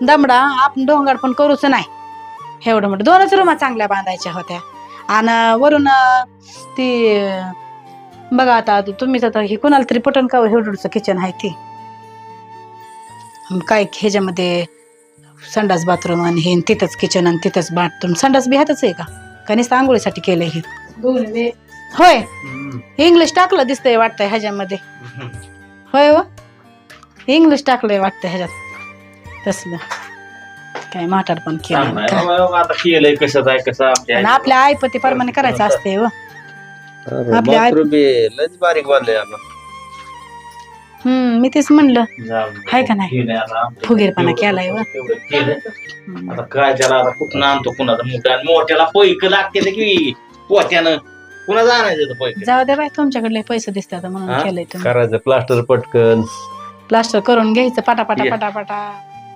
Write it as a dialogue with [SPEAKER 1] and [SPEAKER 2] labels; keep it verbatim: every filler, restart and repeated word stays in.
[SPEAKER 1] दमडा आपण डोंगर पण करूच नाही एवढं मोठं दोनच रूमा चांगल्या बांधायच्या होत्या आणि वरून ती बघा आता तुम्हीच आता हे कोणाला तरी पटन का एवढंच किचन आहे ती काय ह्याच्यामध्ये संडास बाथरूम आणि हे तिथंच किचन आणि तिथंच बाथरूम संडास बी ह्यातच आहे का का नुसतं आंघोळीसाठी केलंय हे होय इंग्लिश टाकलं दिसतंय वाटतंय ह्याच्यामध्ये होय व इंग्लिश टाकलंय वाटतंय ह्याच्यात तसलं काय म्हातार पण केलं
[SPEAKER 2] आता केलंय कसं आहे कसं
[SPEAKER 1] आणि आपल्या आईपती प्रमाणे करायचं असते व आपल्या आई
[SPEAKER 3] लयच बारीक बांधलंय आपण
[SPEAKER 1] हम्म मी तेच म्हणलं हाय का नाही फुगीरपणा केलाय व
[SPEAKER 2] आता काय त्याला आता कुठं आणतो कुणाचा मोठ्या मोठ्याला पैक लागते की पोत्यानं कुणा जाणायचं पैक
[SPEAKER 1] जाऊ दे बाय तुमच्याकडले पैसे दिसतात म्हणून केलंय तुम्ही
[SPEAKER 3] करायचं प्लास्टर पटकन
[SPEAKER 1] प्लास्टर करून घ्यायचं पटापटा पटापटा